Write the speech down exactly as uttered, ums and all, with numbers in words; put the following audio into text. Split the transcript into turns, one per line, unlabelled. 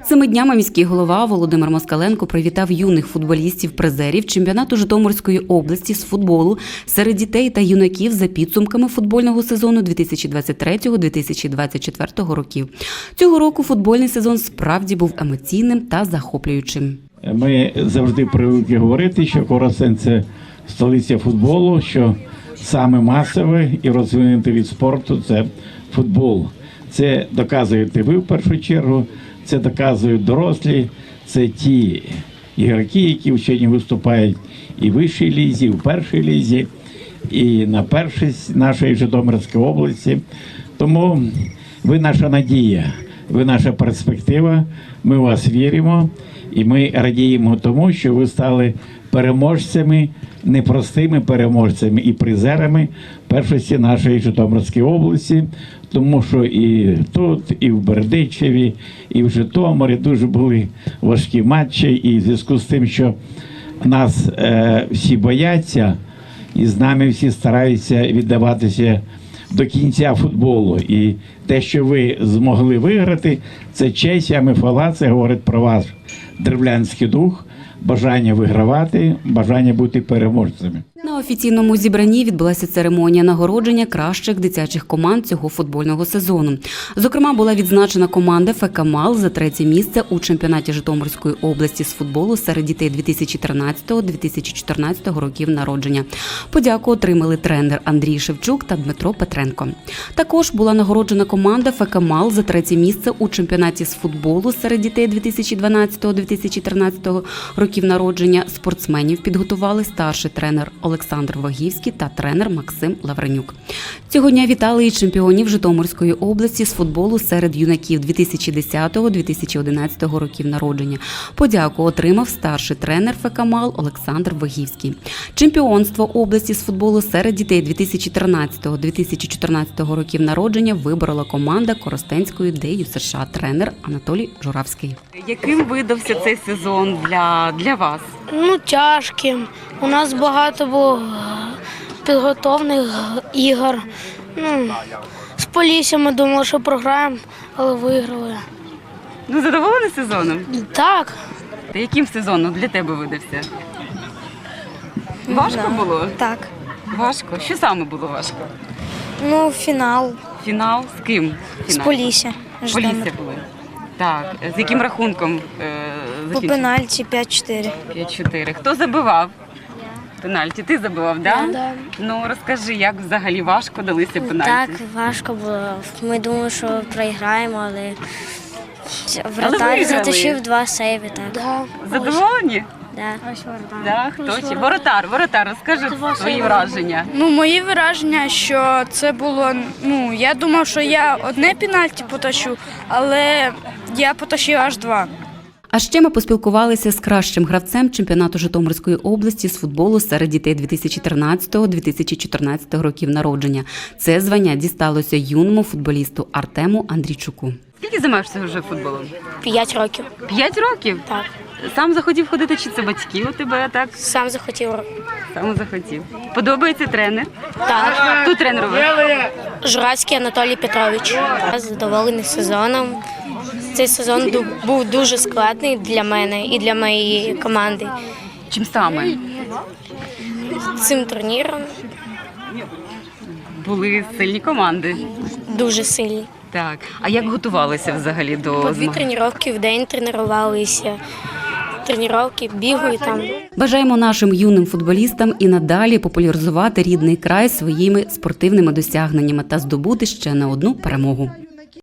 Цими днями міський голова Володимир Москаленко привітав юних футболістів-призерів чемпіонату Житомирської області з футболу серед дітей та юнаків за підсумками футбольного сезону дві тисячі двадцять третього - дві тисячі двадцять четвертого років. Цього року футбольний сезон справді був емоційним та захоплюючим.
Ми завжди привикли говорити, що Коростень – це столиця футболу, що саме масовий і розвинутий від спорту – це футбол. Це доказуєте ви в першу чергу, це доказують дорослі, це ті ігроки, які сьогодні виступають і в вищій лізі, і в першій лізі, і на першість нашої Житомирської області. Тому ви наша надія, ви наша перспектива, ми в вас віримо і ми радіємо тому, що ви стали переможцями, непростими переможцями і призерами першості нашої Житомирської області, тому що і тут, і в Бердичеві, і в Житомирі дуже були важкі матчі, і в зв'язку з тим, що нас е, всі бояться, і з нами всі стараються віддаватися до кінця футболу. І те, що ви змогли виграти, це честь, а мифала, це говорить про ваш древлянський дух, бажання вигравати, бажання бути переможцями.
На офіційному зібранні відбулася церемонія нагородження кращих дитячих команд цього футбольного сезону. Зокрема, була відзначена команда ФК «Мал» за третє місце у чемпіонаті Житомирської області з футболу серед дітей дві тисячі тринадцятого - дві тисячі чотирнадцятого років народження. Подяку отримали тренер Андрій Шевчук та Дмитро Петренко. Також була нагороджена команда ФК «Мал» за третє місце у чемпіонаті з футболу серед дітей дві тисячі дванадцятого - дві тисячі тринадцятого років народження. Спортсменів підготували старший тренер Олександр Вагівський та тренер Максим Лавренюк. Цього дня вітали і чемпіонів Житомирської області з футболу серед юнаків дві тисячі десятого - дві тисячі одинадцятого років народження. Подяку отримав старший тренер ФК «Мал» Олександр Вагівський. Чемпіонство області з футболу серед дітей дві тисячі тринадцятого - дві тисячі чотирнадцятого років народження виборола команда Коростенської Д Ю С Ш, тренер Анатолій Журавський. Яким видався цей сезон для, для вас?
Ну, тяжким. У нас багато було підготовлених ігор. Ну, з Поліссям ми думали, що програємо, але виграли.
Ну, задоволений сезоном?
Так.
Та яким сезоном для тебе видався? Важко
Да.
було?
Так.
Важко? Що саме було важко?
Ну, фінал.
Фінал з ким?
З
Фінал?
Полісся.
Полісся були. Так. З яким рахунком е,
По
закінчили?
пенальті п'ять чотири.
п'ять чотири. Хто забивав? Пенальті. Ти забивав, так? Да?
Да.
Ну, розкажи, як взагалі важко далися пенальті?
Так, важко було. Ми думали, що програємо, але вратар
виграли.
затащив два сейви. Так.
Да.
Задоволені?
Да.
Да, хто ще? Воротар, воротар, розкажи свої враження.
Ну, мої враження, що це було, ну, я думав, що я одне пенальті потащу, але я потащив аж два.
А ще ми поспілкувалися з кращим гравцем чемпіонату Житомирської області з футболу серед дітей дві тисячі тринадцятого - дві тисячі чотирнадцятого років народження. Це звання дісталося юному футболісту Артему Андрійчуку. Скільки займаєшся вже футболом?
П'ять років.
П'ять років?
Так.
Сам захотів ходити, чи це батьки у тебе так?
Сам захотів.
Сам захотів. Подобається тренер?
Так.
Хто тренер у вас?
Журавський Анатолій Петрович.
Я задоволений сезоном. Цей сезон ду- був дуже складний для мене і для моєї команди.
Чим саме?
Цим турніром
Були сильні команди.
дуже сильні.
Так. А як готувалися взагалі до
По дві
змагань?
тренування в день тренувалися. Тренування, бігаю там.
Бажаємо нашим юним футболістам і надалі популяризувати рідний край своїми спортивними досягненнями та здобути ще не одну перемогу.